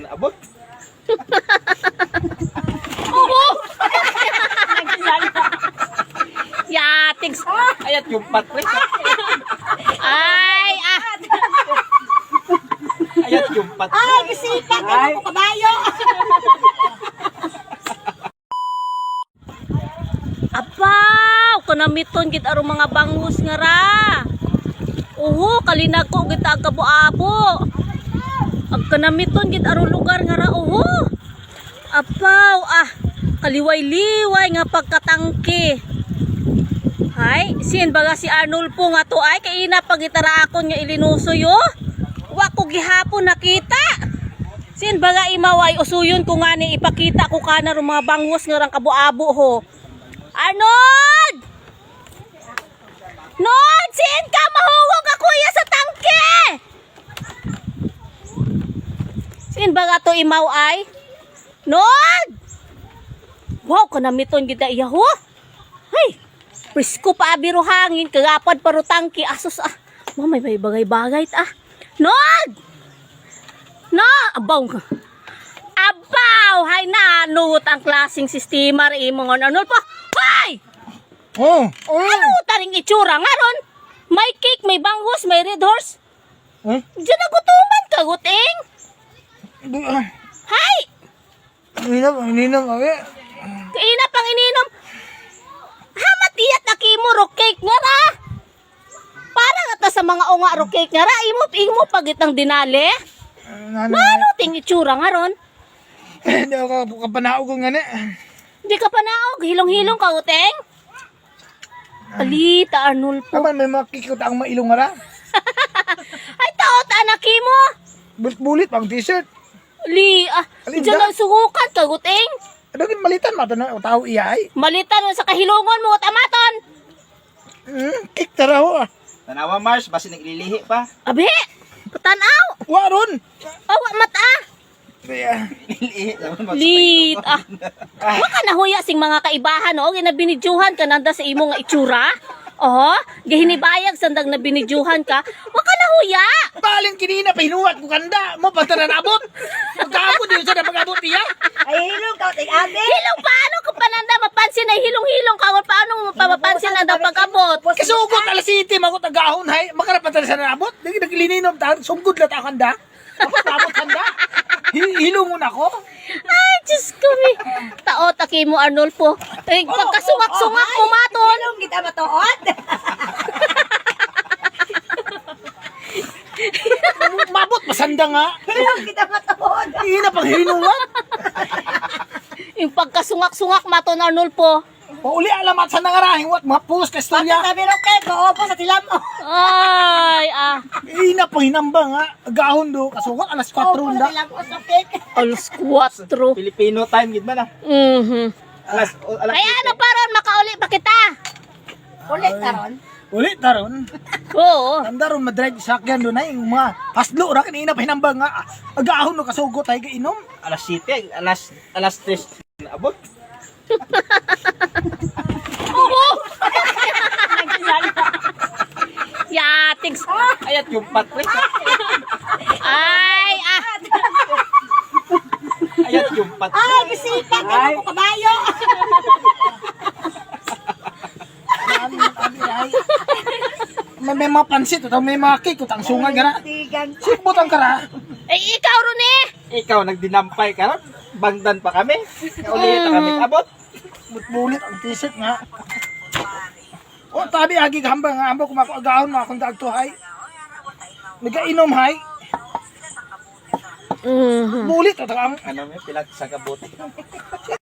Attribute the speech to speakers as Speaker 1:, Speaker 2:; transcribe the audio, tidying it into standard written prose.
Speaker 1: Abot.
Speaker 2: Oo! Yatigs.
Speaker 1: Ayat yung patri.
Speaker 2: Ay, ah.
Speaker 1: Ayat yung patri.
Speaker 3: Ay, bisikat ako ko kabayo.
Speaker 2: Apaw, kanamiton gid aro mga bangus nga ra. Uho, kalinag ko gid ag kabo-abo. Ag kanamiton gid aro lugar nga ra uho. Apaw, ah, kaliway-liway nga pagkatangke. Hay, sin baga si Arnold po nga to ay kay ina pagitara akon nga ilinusoy oh. Wa ko gihapon nakita. Sin baga imaway usuyon ko nga ni ipakita ko kana ro mga bangus nga rang kabo-abo ho. Arnold! Nod! Sin ka mahuwag ako iya sa tangke! Sin baga to imaw ay? Nod! Wow, kanamiton gida iya ho. Hay! Presko pa abiro hangin, kagapad paro tangke. Asos ah. Mamay may bagay-bagay ah. Nod! No! Abaw! Abaw! Hay na! Nut ang klaseng sistema rin mga nanol pa. Hay!
Speaker 4: Oh,
Speaker 2: Ano taring itsura nga ron? May cake, may bangus, may red horse.
Speaker 4: Eh?
Speaker 2: Diyan nagutuman ka, guting. Hay!
Speaker 4: Ninang kami.
Speaker 2: Kaina pang ininom. Hamat iyat na kimo ro cake nga ra. Para nga ta sa mga unga ro cake nga ra. Imo pagit ng dinali. Ano ting itsura nga ron?
Speaker 4: Hindi ako kapanaog nga ni.
Speaker 2: Di ka pa naog. Hilong-hilong ka, guting. Palita, Arnold po.
Speaker 4: Kapan may makikita ang mailong nga ra.
Speaker 2: Ay, taot, anak mo.
Speaker 4: Bulit pang t-shirt.
Speaker 2: Diyan lang sugukan ka, guting.
Speaker 4: Ano gin malitan mato na o tao iyay?
Speaker 2: Malitan mo sa kahilungon mo, tamaton.
Speaker 4: Kik taraho ah.
Speaker 1: Tanawa Mars, basi naglilihi pa.
Speaker 2: Abi, patanaw.
Speaker 4: Waron.
Speaker 2: Awa, mata.
Speaker 4: Kaya
Speaker 1: Nililihi naman
Speaker 2: Lit, ah. Waka nahuya sing mga kaibahan, o. Ginabinidyuhan ka nanda sa imo nga itsura. Oh, gahinibayag sandag na binidyuhan ka. Waka nahuya.
Speaker 4: balin kinina pahinuwat ko kanda mo pataran abot. Pagkaabot din sa napag-abot niya.
Speaker 3: Ay, hilong ka, ting abi.
Speaker 2: Hilong paano ko pananda mapansin na hilong-hilong ka? Paano mo mapapansin na daw pag-abot?
Speaker 4: Kasugot alas 7 magot agahon hay makarapatan sa nabot. Dagi naglininom ta sumgud la ta kanda. Abot kanda. Hilungon ako.
Speaker 2: Ay, Diyos ko, mi. Taot, aki mo, Arnolfo. Eh, pagkasungak-sungak mo, maton.
Speaker 3: Hilong kita matuod.
Speaker 4: Mabot masanda nga.
Speaker 3: Hilong kita matuod.
Speaker 4: Ina pang hinungan.
Speaker 2: Yung pagkasungak-sungak, maton, Arnolfo.
Speaker 4: Pauli alamat sa nangarahing wat mapus ka istorya.
Speaker 3: Sabi ro kay ko po sa tilam mo.
Speaker 2: Ay, ah.
Speaker 4: Ina pang hinambang ha. Agahon do kasugot alas 4
Speaker 3: Opo sa
Speaker 4: da.
Speaker 3: tilam ko sa cake.
Speaker 2: Alas 4.
Speaker 1: Filipino time gid man ah. Alas
Speaker 2: Kaya ano pa ron, makauli pa kita?
Speaker 3: Ulit karon.
Speaker 4: Uli taron.
Speaker 2: Oo.
Speaker 4: Tanda ron madrive sakyan do na yung mga paslo ra kanina pa hinambang nga. Agahon do kasugot ay kainom.
Speaker 1: alas 7, alas 3 abot.
Speaker 2: Oo. Yatigs.
Speaker 1: Ayat yung patri.
Speaker 2: Ay, ah.
Speaker 1: Ayat yung patri.
Speaker 3: Ay, bisikat ako ko kabayo.
Speaker 4: May mga pansit utaw may mga cake utang sunga gara.
Speaker 3: Tigan.
Speaker 4: Sipot ang kara.
Speaker 2: Eh, ikaw ron eh.
Speaker 1: Ikaw nagdinampay ka ron. Bangdan pa kami. Ulit na kami abot.
Speaker 4: Bulit ang t-shirt nga. O tabi agi gamba nga ambo kumako agahon mo akong dagto hay. Nagainom hay. Bulit utaw ang
Speaker 1: Ano may pilag sa kabuti.